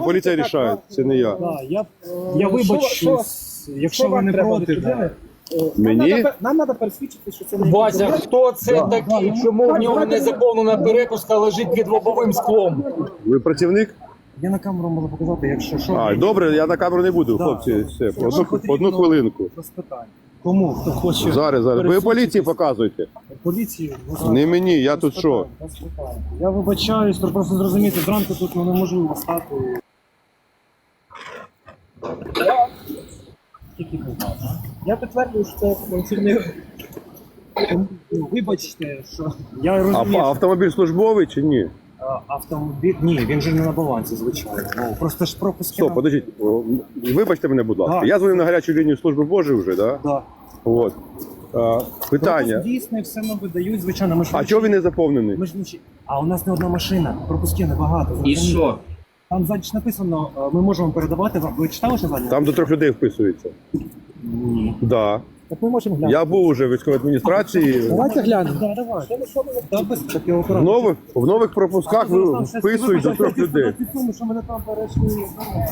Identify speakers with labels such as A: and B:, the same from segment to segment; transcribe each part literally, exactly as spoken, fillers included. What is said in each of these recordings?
A: поліція рішає, це не я.
B: Да, я, я вибачусь, якщо ви не проти. Да.
A: Мені?
C: Нам треба пересвідчити, що це не
D: Вася, хто це
B: Да.
D: такий? Чому в нього незаповнена перепустка лежить під лобовим склом?
A: Ви працівник?
B: Я на камеру можу показати, якщо що.
A: А, добре, я на камеру не буду,
B: Да.
A: хлопці. Все,
B: Якщо
A: одну,
B: потрібно,
A: одну хвилинку.
B: без питань. Кому? Хто хоче?
A: Зараз, зараз. Ви поліції показуйте.
B: Поліції?
A: Не мені, я тут що?
B: Без питань. Я вибачаюсь, то просто зрозуміти, зранку тут ну, неможливо стати. Тільки питання.
C: Я підтверджую, що це функціонує.
B: Ну, вибачте, що я
A: А,
B: розумію.
A: а автомобіль службовий чи ні?
B: А, автомобіль. Ні, він же не на балансі, звичайно. Ну, просто ж пропуски.
A: Стоп,
B: на-
A: подождіть. О, Вибачте мене, будь ласка.
B: Да.
A: Я дзвонив на гарячу лінію служби Божої вже, да?
B: Да.
A: От. А, питання.
B: Пропуск дійсний, все нам видають, звичайно. Ми ж
A: А чого він не заповнений?
B: Ми ж не чи- А у нас не одна машина, пропусків небагато.
D: І
B: зрозумієте?
D: що?
B: Там ззаді ж написано, е, ми можемо передавати вам. Ви читали, що ззаді?
A: Там до трьох людей вписується.
B: Ні.
A: Да.
B: Так ми можемо глянути.
A: Я був уже в військовій адміністрації.
B: Давайте глянемо. Да, давай. Та без таки
A: В
B: акуратно.
A: нових, в нових пропусках ви вписують до трьох людей.
B: Тому що мене там перейшли.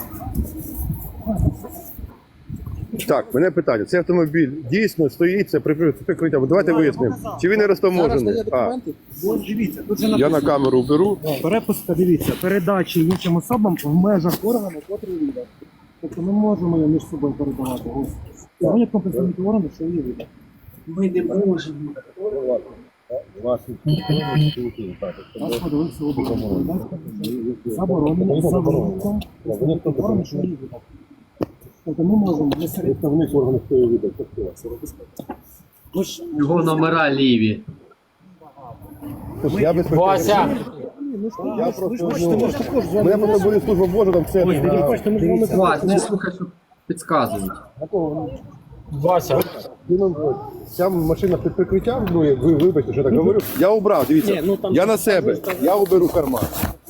A: Так, мене питання. Цей автомобіль дійсно стоїть, це при- прикриття. Давайте
B: Да,
A: вияснимо.
B: я показав.
A: Чи він не розтаможений? А,
B: Ось дивіться, тут же
A: я на
B: написано.
A: камеру беру.
B: Перепустка, дивіться, передачі іншим особам в межах органу, котрий видав. Тобто ми можемо її між собою передавати. Ось. Сьогодні компенсують органи, що її видав.
C: Ми не можемо.
B: Нас подивився обов'язково. Заборонено, заборонено. Представники органу, що її видав. Тобто ми можемо не серед
A: Представник органів хто її видав.
B: Ми ж-
D: Його номера ліві.
A: Я без
D: Вася!
A: Я просто, ну, мене просто були служба Божа, там все.
D: Вася, не слухай, що підказують. Вася,
A: Ця машина під прикриттям, ну, ви вибачте, що я так говорю. Я убрав, дивіться, я на себе, я уберу карман.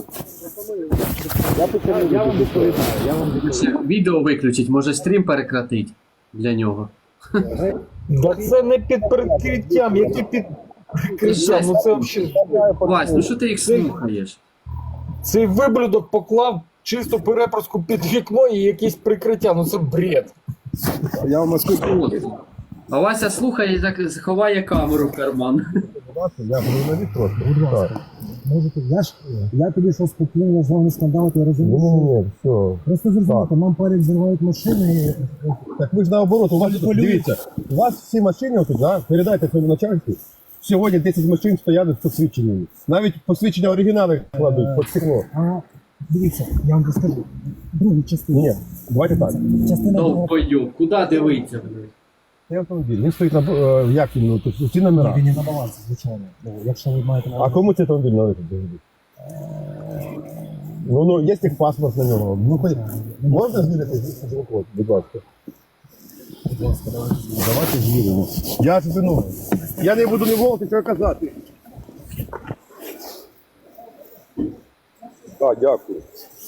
A: Я почав, я вам відповідаю, я вам
D: ще відео виключить, може стрім перекратить для нього.
E: Да це не під прикриттям, які під прикриттям. Ну це взагалі.
D: Вась, ну що ти їх слухаєш?
E: Цей виблюдок поклав чисту перепуску під вікно і якесь прикриття. Ну це бред.
A: Я вам розкажу.
D: От. А Вася слухає і так ховає камеру в карман.
A: Я журналіст просто, будь ласка.
B: Можете, я ж, я тобі що спокійно з вами скандалити, я розумію.
A: Ні, ні, все.
B: Просто зрозуміти, нам парень зривають машини і...
A: Так ви ж наоборот, у вас тут, дивіться, у вас всі машини отут, да? Передайте своєму начальству. Сьогодні десять машин стоять з посвідченнями. Навіть посвідчення оригінали кладуть під стекло.
B: А, дивіться, я вам розкажу. Другу частину.
A: Ні, давайте так.
B: Частина була...
D: Довбойоб, куди дивиться?
A: Цей автомобіль, він стоїть на, е, як він, ну, тут, ці номера.
B: Він не на балансі, звичайно. Ну, якщо ви маєте на
A: А кому цей автомобіль належить? Ну, ну, є техпаспорт на нього. Ну, хоч... Можна звірити звук, будь ласка? Давайте звіримо. Я тобі, ну, я не буду не волити, що казати. Так, дякую.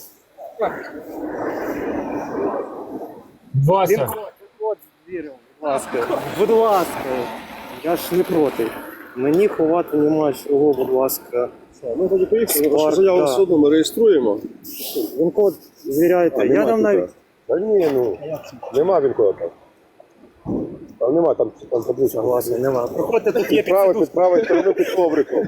E: Вася,
C: От звірив, будь ласка. Будь ласка. Я ж не проти. Мені ховати нема чого, будь ласка.
A: Ми тоді поїхали,
C: вашу заяву все
A: одно ми реєструємо.
C: Він код звіряєте. Я там навіть...
A: Та ні, ну, нема він кода там. Там нема, там, там таблиця.
C: Власне, нема. Проходьте, тут є
A: Підправити,
C: підсвіту.
A: підправити, сторону під ковриком.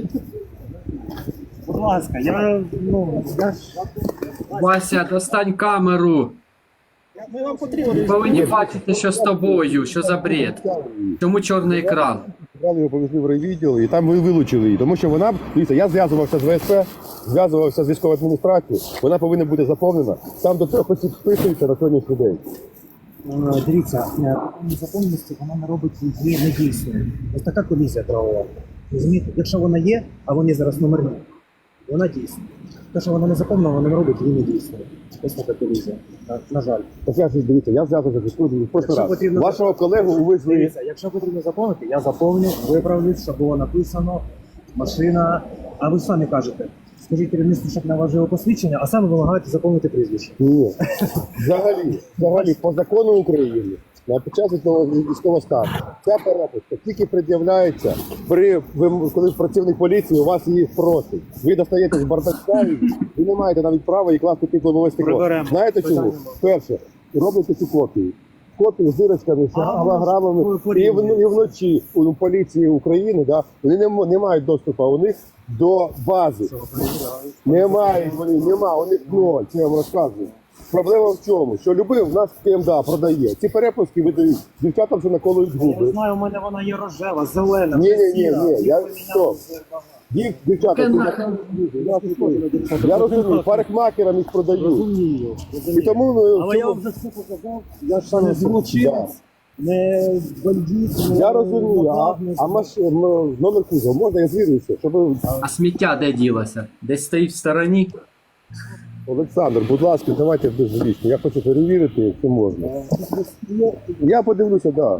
B: Будь ласка, я, ну, я ж...
D: Вася, достань камеру.
C: Ми вам потрібно.
D: Ви повинні бачити, що з тобою, що за бред. Чому чорний екран?
A: Брали його, повезли в райвідділ, і там ми вилучили її. Тому що вона, дивіться, я зв'язувався з ВСП, зв'язувався з військовою адміністрацією, вона повинна бути заповнена. Там до трьох осіб вписується на сьогоднішній день.
B: Е, Дивіться, е, незаконності вона не робить її недійсною. Ось така колізія правова. Розумієте? Якщо вона є, а вони зараз номерні, вона дійсна. Те, що вона не заповнена, вона не робить її недійсною. Ось така колізія. На, на жаль.
A: Так я ж, дивіться, я зв'язувався з військовою в прошлий
B: Якщо
A: раз.
B: потрібно-
A: Вашого колегу увезли.
B: Дивіться, якщо потрібно заповнити, я заповню, виправлю, щоб було написано машина. А ви самі кажете, скажіть керівництву, щоб наважило посвідчення, а саме вимагаєте заповнити прізвище.
A: Ні. Взагалі, взагалі, по закону України, на під час військового стану. Ця перепустка тільки пред'являється, при, ви, коли працівник поліції у вас її просить. Ви достаєте з бардачка, і ви не маєте навіть права її класти під лобове стекло.
B: Приберемо.
A: Знаєте чому? Перше, робите ці копії. Копії з дирочками, з голограмами, і, в, і вночі у поліції України, да, вони не, м- не мають доступу у них до бази. Немає вони, нема, у них ноль, це я вам розказую. Проблема в чому? Що любив, в нас КМДА продає. Ці перепуски видають, дівчатам вже наколують
B: Я
A: губи.
B: знаю, у мене вона є рожева, зелена.
A: Ні, ні, ні,
B: сіра.
A: ні,
B: Їх
A: я
B: поміняли
A: що?
B: з-
A: Їх, дівчата,
D: Таке
A: ці
D: нахер.
A: наколують губи. Я розумію, парикмахерам їх продають.
B: Розумію.
A: І тому ми
B: Але я
A: цьому-
B: вам вже все показав, я ж не злочинець,
A: Да.
B: не бандит, не
A: Я розумію, а,
B: нападник.
A: а маш... м- номер кузова, можна я звірюся, щоб
D: А сміття де ділося? Десь стоїть в стороні?
A: Олександр, будь ласка, давайте беззвучно. Я хочу перевірити, якщо можна. Я подивлюся, так. Да.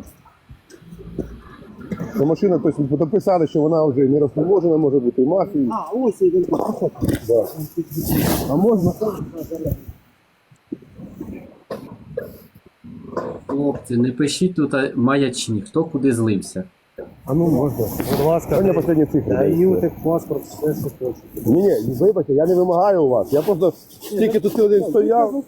A: Що машина, тобто дописали, що вона вже не розтаможена, може бути і мафією.
B: А, ось і він.
A: Да. А можна?
D: Хлопці, не пишіть тут а, маячні, хто куди злився.
A: А ну можна.
B: Будь ласка,
A: Сьогодні останні цифри.
B: даю так паспорт, все, що хочу.
A: Ні, ні, вибачте, я не вимагаю у вас. Я просто тільки тут цілий день стояв.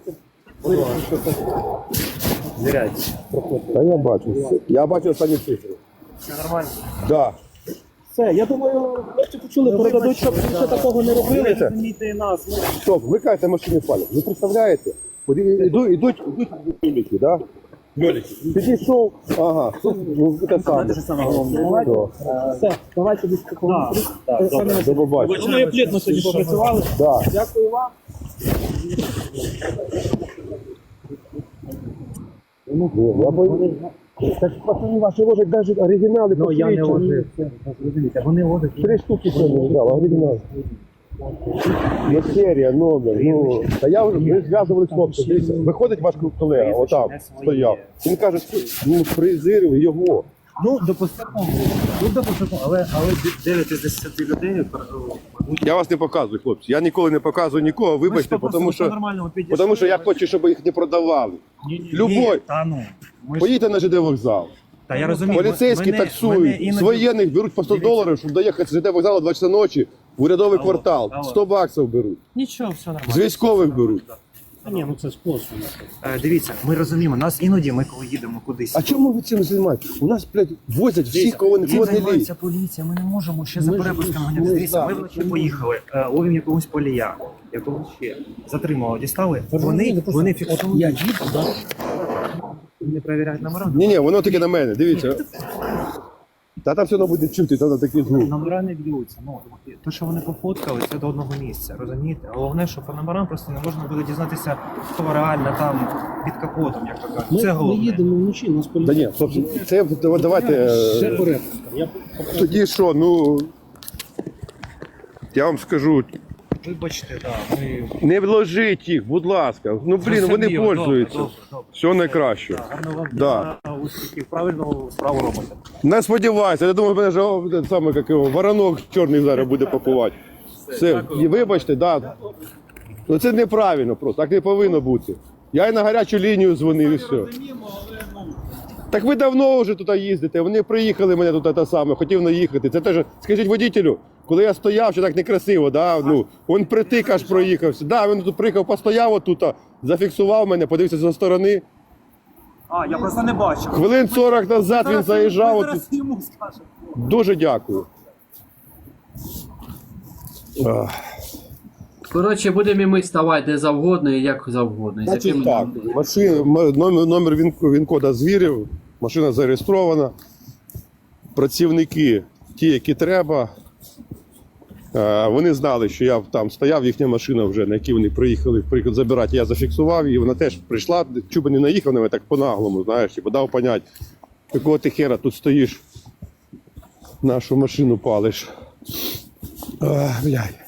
B: Звіряйте.
A: Та я бачу. Я бачу останні цифри.
B: Все нормально.
A: Да.
B: Все, я думаю, хлопці почули, передадуть, щоб більше такого не робили.
A: Дивіться.
B: Розумійте і нас. Ми
A: Стоп, вмикайте машини палять. Ви представляєте? От і- Іду, ідуть, ідуть льоліки, да? Льоліки. Підійшов, ага, тут ну, те саме.
B: саме головне.
A: Да.
B: Все, давайте без такого.
A: До побачення.
B: Ми плідно сьогодні попрацювали.
A: Да.
B: Дякую вам.
A: Ну, я бо- Так пацани ваші ложать навіть оригінали
B: Ну, я не
A: посвідчені.
B: ложив. Розумієте, вони ложать.
A: Три штуки сьогодні взяв, оригінал. Є серія, номер. Ну, та я вже ми зв'язували з хлопцем. Дивіться, виходить ваш колега, отам стояв. Він каже, ну презирив його.
B: Ну, допустимо. Ну, допустимо, але, але дев'ять із десяти людей.
A: Я вас не показую, хлопці. Я ніколи не показую нікого, вибачте, тому що, тому що я хочу, щоб їх не продавали. Любой.
B: Та ну. Ми ж-
A: Поїдьте на ЖД вокзал.
B: Та я розумію.
A: Поліцейські
B: мене- мене
A: таксують,
B: іноді-
A: з воєнних беруть по сто доларів, щоб доїхати з ЖД вокзалу два часа ночі в урядовий
B: Алло,
A: квартал.
B: алло.
A: сто баксів беруть.
B: Нічого, все нормально.
A: З військових беруть.
B: Ні, ну це спосіб. Дивіться, ми розуміємо, нас іноді ми коли їдемо кудись.
A: А чому ви цим займаєтесь? У нас, блядь, возять всіх, кого не
B: Цим
A: кого не лізь.
B: займається поліція, ми не можемо ще за перепусками ганяти. Дивіться, ми вночі поїхали, е, ловимо якогось полія, якогось ще затримали, дістали. Вони, вони фіксують. Я їду, да? Не перевіряють номера.
A: Ні, ні, воно таке на мене, дивіться. Та там все одно буде чути, там такий звук.
B: Номера не б'ються. Ну, те, що вони пофоткали, це до одного місця, розумієте? Головне, що по номерам просто не можна буде дізнатися, хто реально там під капотом, як то кажуть.
F: Ми,
B: Це
F: ми
B: головне.
F: їдемо вночі, нас
A: Та
F: поліція.
A: ні, хлопці, це давайте.
F: Ще
A: е,
F: перепустка. Я
A: Тоді що, ну. Я вам скажу,
B: Вибачте, да, ми...
A: не вложіть їх, будь ласка. Ну блін, вони
B: Зрозуміло, добре,
A: пользуються.
B: добре, добре.
A: Все найкраще.
B: Да, гарно вам
A: Да.
B: дня, успіхів, правильну справу робите.
A: Не сподівайся, я думаю, мене ж о, те саме, як його, воронок чорний зараз буде пакувати. Все, і вибачте, да. Ну це неправильно просто, так не повинно бути. Я і на гарячу лінію дзвонив і все. Так ви давно вже тут їздите, вони приїхали мене тут те саме, хотів наїхати. Це теж, скажіть водітелю, коли я стояв, що так некрасиво, да? Ну, він притик аж проїхався. Да, він тут приїхав, постояв отут, зафіксував мене, подивився зі сторони.
B: А, я просто не бачив.
A: Хвилин сорок назад він заїжджав. Отут.
B: йому скажете.
A: Дуже дякую. Ах.
D: Коротше, будемо і ми ставати де завгодно і як завгодно. І з
A: Значить
D: якими-
A: так, машина, м- номер, номер він, він кода звірів, машина зареєстрована. Працівники, ті, які треба, е, вони знали, що я там стояв, їхня машина вже, на якій вони приїхали, приїхали забирати, я зафіксував її, вона теж прийшла, чуба не наїхав на мене так по-наглому, знаєш, типу, дав понять, якого ти хера тут стоїш, нашу машину палиш. Ах, блядь.